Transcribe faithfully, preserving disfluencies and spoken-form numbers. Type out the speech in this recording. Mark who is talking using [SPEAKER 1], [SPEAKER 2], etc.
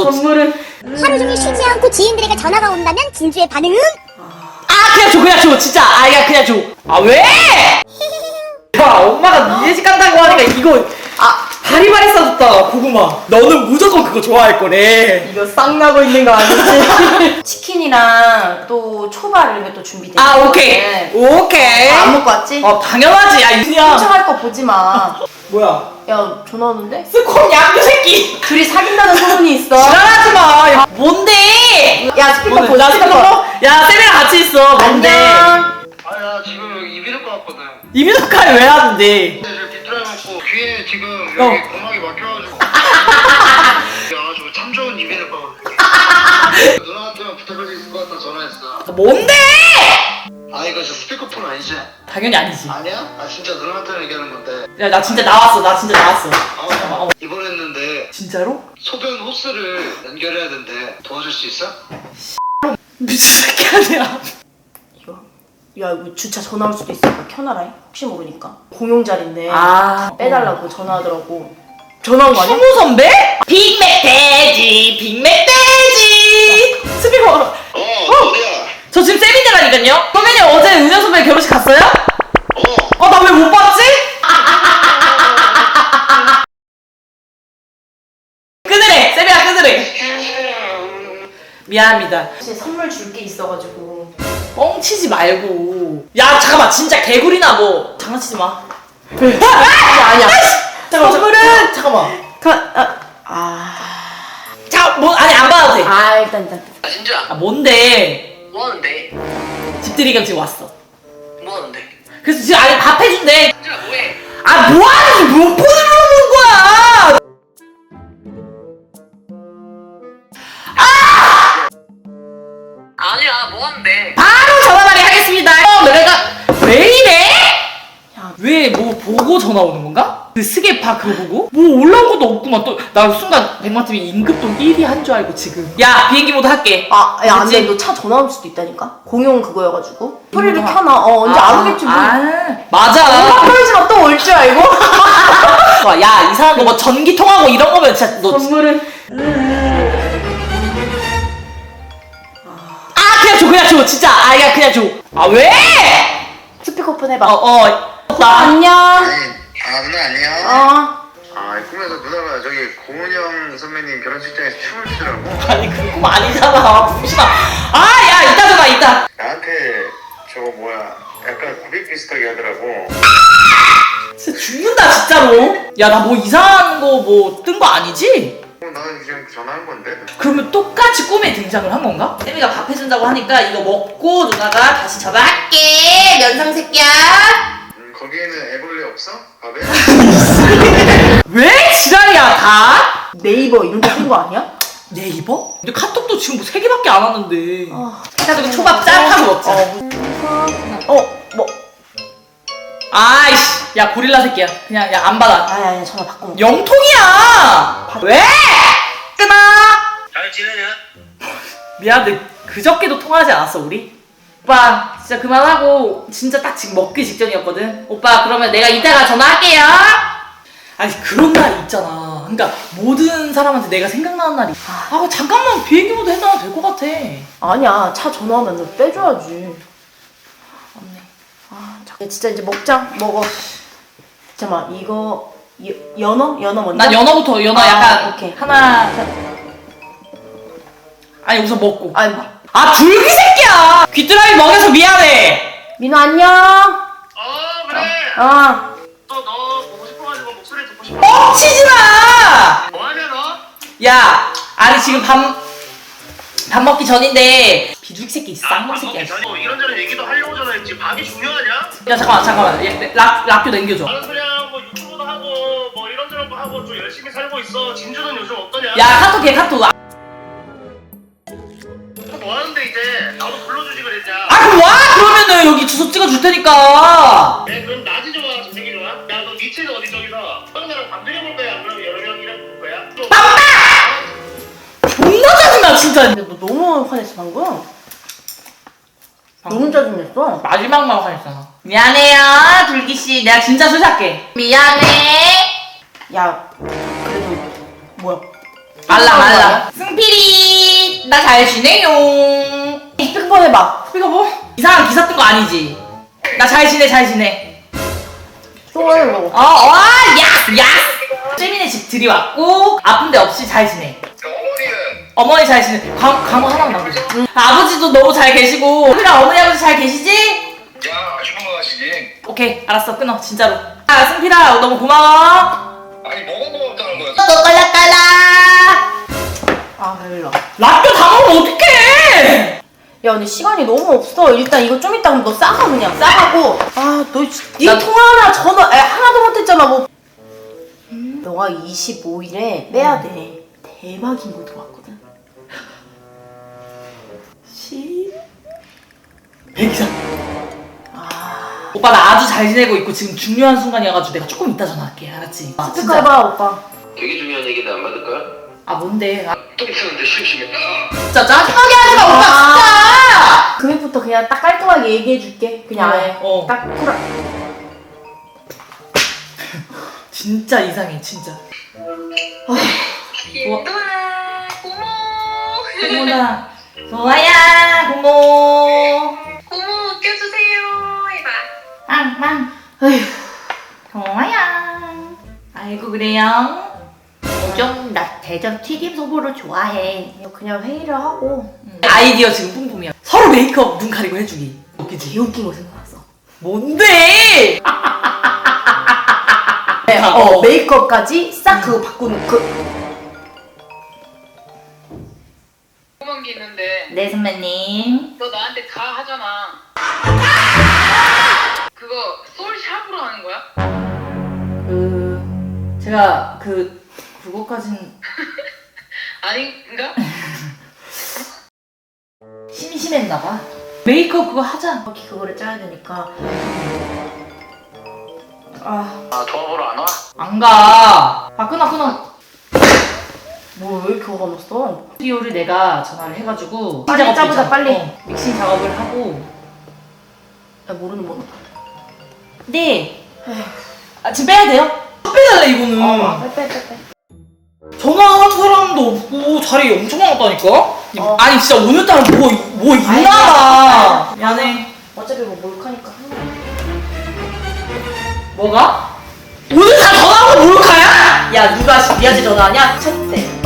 [SPEAKER 1] 선물은
[SPEAKER 2] 하루 종일 쉬지 않고 지인들에게 전화가 온다면 진주의 반응은?
[SPEAKER 1] 아 그냥 줘 그냥 줘 진짜 아 그냥 그냥 줘. 아 왜? 야 엄마가 니네 집 간다고 하니까 이거 아 바리바리 싸줬다 고구마. 너는 무조건 그거 좋아할 거래. 이거 쌍나고 있는 거 아니지?
[SPEAKER 3] 치킨이랑 또 초밥 이런 게 또 준비돼.
[SPEAKER 1] 아 오케이 오케이.
[SPEAKER 3] 안 먹고 왔지?
[SPEAKER 1] 어 당연하지. 야 그냥
[SPEAKER 3] 훔쳐갈 거 보지 마.
[SPEAKER 1] 뭐야?
[SPEAKER 3] 야 전화 오는데?
[SPEAKER 1] 스콘 양규 새끼.
[SPEAKER 3] 둘이 사귄다는 소문이 있어.
[SPEAKER 1] 지랄하지 마. 야, 뭔데?
[SPEAKER 3] 야 스피커
[SPEAKER 1] 뭔데?
[SPEAKER 3] 보자.
[SPEAKER 1] 나 스피커. 야 쌤이랑 같이 있어. 뭔데?
[SPEAKER 3] 안녕.
[SPEAKER 4] 아야 지금 여기 이비인후과 왔거든.
[SPEAKER 1] 이민호카를 왜 하는데?
[SPEAKER 4] 근데 지금 빗드라이 먹고 귀에 지금
[SPEAKER 1] 어.
[SPEAKER 4] 여기 고막이 막혀가지고 야저 참 좋은 이비인후과거든. 누나한테만 부탁할 수 있을 것 같아 전화했어.
[SPEAKER 1] 뭔데?
[SPEAKER 4] 아 이거 저 스피커폰 아니지?
[SPEAKER 1] 당연히 아니지.
[SPEAKER 4] 아니야? 아 진짜 누나한테 얘기하는 건데.
[SPEAKER 1] 야 나 진짜 나왔어. 나 진짜 나왔어.
[SPEAKER 4] 아
[SPEAKER 1] 어.
[SPEAKER 4] 입원했는데
[SPEAKER 1] 진짜로?
[SPEAKER 4] 소변 호스를 연결해야 된대. 도와줄 수 있어?
[SPEAKER 1] 미친 새끼 아니야.
[SPEAKER 3] 이거. 야 이거 주차 전화 올 수도 있으니까 켜놔라. 혹시 모르니까. 공용 자리인데.
[SPEAKER 1] 아
[SPEAKER 3] 빼달라고 전화하더라고. 전화 온 거 아니야?
[SPEAKER 1] 성우 선배? 빅맥돼지 빅맥돼지 스피커.
[SPEAKER 4] 어 어디야?
[SPEAKER 1] 저 지금 세미대라니까요. 선배님 어제 은현 선배 결혼식 갔어요?
[SPEAKER 4] 어
[SPEAKER 1] 어 나 왜 못 봤지? 끊으래 세미야 끊으래. 미안합니다.
[SPEAKER 3] 혹시 선물 줄 게 있어가지고.
[SPEAKER 1] 뻥치지 말고. 야 잠깐만 진짜 개구리나 뭐 장난치지 마.
[SPEAKER 3] 아니야 아니야.
[SPEAKER 1] 잠깐만,
[SPEAKER 3] 선물은
[SPEAKER 1] 잠깐만.
[SPEAKER 3] 가, 아, 아.
[SPEAKER 1] 자뭐 아니 안 받아도 돼.
[SPEAKER 3] 아 일단 일단.
[SPEAKER 4] 아 진짜
[SPEAKER 1] 아 뭔데?
[SPEAKER 4] 뭐하는데?
[SPEAKER 1] 집들이가 지금 왔어.
[SPEAKER 4] 뭐하는데?
[SPEAKER 1] 그래서 지금 아니 밥 해준대.
[SPEAKER 4] 진짜 뭐해?
[SPEAKER 1] 아 뭐하는지 몇 번을 물어보는 거야?
[SPEAKER 4] 아니야 뭐하는데?
[SPEAKER 1] 바로 전화만이 하겠습니다. 어, 내가 왜 이래?
[SPEAKER 3] 야.
[SPEAKER 1] 왜 뭐 보고 전화 오는 건가? 그 스계파 그거 보고? 뭐 올라온 것도 없구만. 또 나 순간 백만팀이 임급동 일 위 한 줄 알고 지금. 야 비행기 모드 할게.
[SPEAKER 3] 아, 야, 안
[SPEAKER 1] 그치?
[SPEAKER 3] 돼. 너 차 전화 올 수도 있다니까? 공용 그거여가지고. 소리를
[SPEAKER 1] 아.
[SPEAKER 3] 켜놔. 어, 언제
[SPEAKER 1] 아,
[SPEAKER 3] 안 오겠지, 뭐.
[SPEAKER 1] 아,
[SPEAKER 3] 엄마
[SPEAKER 1] 맞아.
[SPEAKER 3] 프로이즈가 또 올 줄 알고?
[SPEAKER 1] 와, 야 이상한 거 뭐 전기 통하고 이런 거면 진짜 너.
[SPEAKER 3] 선물은.
[SPEAKER 1] 아 그냥 줘 그냥 줘 진짜. 아야 그냥 줘. 아 왜?
[SPEAKER 3] 스피커폰 해봐.
[SPEAKER 1] 어 어. 나
[SPEAKER 3] 안녕.
[SPEAKER 4] 아니 아 누나 안녕.
[SPEAKER 3] 어.
[SPEAKER 4] 아 꿈에서 누나가 저기 고은영 선배님 결혼식장에서 춤을 추더라고.
[SPEAKER 1] 아니 그거 아니잖아. 무시마. 아야 이따 전화 이따.
[SPEAKER 4] 나한테 저거 뭐야 약간 고백 비슷하게 하더라고.
[SPEAKER 1] 진짜 죽는다 진짜로. 야 나 뭐 이상한 거 뭐 뜬 거 아니지?
[SPEAKER 4] 어, 나는 그냥 전화한 건데.
[SPEAKER 1] 그러면 똑같이 꿈에 등장을 한 건가? 세미가 밥 해준다고 하니까 이거 먹고 누나가 다시 전화할게. 면상 새끼야.
[SPEAKER 4] 음, 거기에는 애벌레 없어? 밥에?
[SPEAKER 1] 왜 지랄이야 다?
[SPEAKER 3] 네이버 이런 거 쓴 거 아니야?
[SPEAKER 1] 네이버? 근데 카톡도 지금 뭐 세 개밖에 안 왔는데.
[SPEAKER 3] 어.
[SPEAKER 1] 해가지고 초밥 짠 하고 먹자.
[SPEAKER 3] 어, 뭐.
[SPEAKER 1] 아이씨, 야 고릴라 새끼야. 그냥 야 안 받아.
[SPEAKER 3] 아니, 아니, 전화 바꿔. 먹자.
[SPEAKER 1] 영통이야. 왜? 끊어.
[SPEAKER 4] 잘 지내냐?
[SPEAKER 1] 미안한데 그저께도 통화하지 않았어 우리? 오빠 진짜 그만하고 진짜 딱 지금 먹기 직전이었거든. 오빠 그러면 내가 이따가 전화할게요. 아니 그런 날이 있잖아. 그러니까 모든 사람한테 내가 생각나는 날이. 아 잠깐만 비행기 모드 해놔도 될 것 같아.
[SPEAKER 3] 아니야, 차 전화 오면 너 빼줘야지.
[SPEAKER 1] 없네.
[SPEAKER 3] 아, 자, 진짜 이제 먹자. 먹어. 잠깐만, 이거. 여, 연어? 연어 먼저?
[SPEAKER 1] 난 연어부터 연어
[SPEAKER 3] 아,
[SPEAKER 1] 약간
[SPEAKER 3] 오케이.
[SPEAKER 1] 하나. 아니 우선 먹고.
[SPEAKER 3] 아니, 뭐.
[SPEAKER 1] 아 줄기 새끼야. 귀뚜라미 먹여서 미안해.
[SPEAKER 3] 민호 안녕.
[SPEAKER 4] 어 그래.
[SPEAKER 3] 어.
[SPEAKER 4] 또 너 보고 싶어가지고 목소리 듣고 싶어.
[SPEAKER 1] 뻥치지 마.
[SPEAKER 4] 뭐하냐 너?
[SPEAKER 1] 야, 아니 지금 밥, 밥 먹기 전인데 비둘기 새끼 쌍놈 새끼야.
[SPEAKER 4] 뭐 이런저런 얘기도 하려고 전화했지. 밥이 중요하냐?
[SPEAKER 1] 야 잠깐만 잠깐만 얘, 락, 락교 남겨줘.
[SPEAKER 4] 나는 그냥 뭐 유튜브도 하고 뭐 이런저런 거 하고 좀 열심히 살고 있어. 진주는 요즘 어떠냐?
[SPEAKER 1] 야 카톡 해 카톡. 아
[SPEAKER 4] 뭐 하는데 이제 나도 불러주지 그랬냐?
[SPEAKER 1] 그럼 와 그러면은 여기 주소 찍어줄 테니까.
[SPEAKER 4] 네 그럼 낮이 좋아 저녁이 좋아? 야 너 위치는 어디 저기서 형 나랑 밥 드려볼 거야? 그럼 여러 명이랑 볼 거야? 또-
[SPEAKER 1] 존나 짜증나 진짜.
[SPEAKER 3] 근데 너 너무 화냈어, 방금. 너무 짜증냈어.
[SPEAKER 1] 마지막만 화냈잖아. 미안해요 둘기 씨. 내가 진짜 술 살게. 미안해.
[SPEAKER 3] 야, 그래도, 뭐야.
[SPEAKER 1] 알람 알람. 승필이 나 잘 지내요.
[SPEAKER 3] 스피커폰 해봐.
[SPEAKER 1] 이거 뭐 이상한 기사 뜬 거 아니지? 나 잘 지내 잘 지내.
[SPEAKER 3] 또 해, 뭐.
[SPEAKER 1] 어와 야스 야스. 재민의 집 들이왔고 아픈 데 없이 잘 지내.
[SPEAKER 4] 어머니는
[SPEAKER 1] 어머니 잘 지내. 광, 광고 하나만 남겨줘. 응. 아버지도 너무 잘 계시고 승필아 어머니 아버지 잘 계시지?
[SPEAKER 4] 야 아주 건강하시지.
[SPEAKER 1] 오케이 알았어 끊어 진짜로. 아 승필아 너무 고마워.
[SPEAKER 4] 아니 뭐가 고맙다는 거야?
[SPEAKER 1] 너 깔라깔라.
[SPEAKER 3] 아, 별로.
[SPEAKER 1] 라떼 다 먹으면 어떡해!
[SPEAKER 3] 야, 근데 시간이 너무 없어. 일단 이거 좀 이따 그럼 너 싸가, 그냥. 싸가고. 아, 너, 니
[SPEAKER 1] 나-
[SPEAKER 3] 통화나 전화, 에, 하나도 못했잖아, 뭐. 음, 너가 이십오 일에 빼야 돼. 대박인 거 들어왔거든.
[SPEAKER 1] 십 백 이상. 오빠 나 아주 잘 지내고 있고 지금 중요한 순간이어가지고 내가 조금 이따 전화할게 알았지? 아,
[SPEAKER 3] 스피커 해봐, 오빠.
[SPEAKER 4] 되게 중요한 얘기인데 안 받을 거야?
[SPEAKER 1] 아 뭔데? 아,
[SPEAKER 4] 똥 쓰는데 심심해.
[SPEAKER 1] 진짜 짜증나게 하지마 오빠 진짜!
[SPEAKER 3] 금액부터 그냥 딱 깔끔하게 얘기해줄게. 그냥
[SPEAKER 1] 어,
[SPEAKER 3] 아예.
[SPEAKER 1] 어.
[SPEAKER 3] 딱 쿨하.
[SPEAKER 1] 진짜 이상해 진짜.
[SPEAKER 5] 김도아 고모
[SPEAKER 1] 고모나 좋아야 고모
[SPEAKER 5] 고모 웃겨주세요 해봐.
[SPEAKER 1] 빵빵
[SPEAKER 3] 아휴.
[SPEAKER 1] 좋아야. 아이고 그래요? 좀 나 대전 튀김 소보를 좋아해.
[SPEAKER 3] 그냥 회의를 하고.
[SPEAKER 1] 아이디어 지금 뿜뿜이야. 서로 메이크업 눈 가리고 해주기. 웃기지?
[SPEAKER 3] 개웃긴 거 생각났어.
[SPEAKER 1] 뭔데?
[SPEAKER 3] 네, 어, 메이크업까지 싹 그거 바꾸는 그.
[SPEAKER 5] 궁금한 게 있는데
[SPEAKER 1] 네 선배님.
[SPEAKER 5] 너 나한테 가 하잖아. 그거 솔샵으로 하는 거야?
[SPEAKER 1] 그 제가 그 그거까진
[SPEAKER 5] 아닌가?
[SPEAKER 1] 심심했나봐. 메이크업 그거 하자.
[SPEAKER 3] 이렇게 그거를 짜야 되니까. 아,
[SPEAKER 4] 아 도와보러 안 와?
[SPEAKER 1] 안 가. 아 끊어 끊어.
[SPEAKER 3] 뭐 왜 이렇게 화가 났어?
[SPEAKER 1] 스튜디오를 내가 전화를 해가지고
[SPEAKER 3] 빨리
[SPEAKER 1] 믹싱 작업도
[SPEAKER 3] 짜보자,
[SPEAKER 1] 있잖아.
[SPEAKER 3] 빨리.
[SPEAKER 1] 어, 믹싱 작업을 하고.
[SPEAKER 3] 야, 모르는 번호.
[SPEAKER 1] 네. 아 지금 빼야 돼요? 빼달래 이거는.
[SPEAKER 3] 어, 빼, 빼, 빼, 빼.
[SPEAKER 1] 전화한 사람도 없고 자리 엄청 많았다니까?
[SPEAKER 3] 어.
[SPEAKER 1] 아니 진짜 오늘따라 뭐, 뭐 있나봐. 미안해.
[SPEAKER 3] 어차피 뭐 몰카니까.
[SPEAKER 1] 뭐가? 오늘 다 전화하고 몰카야?
[SPEAKER 3] 야, 누가 니한테 전화하냐? 첫째.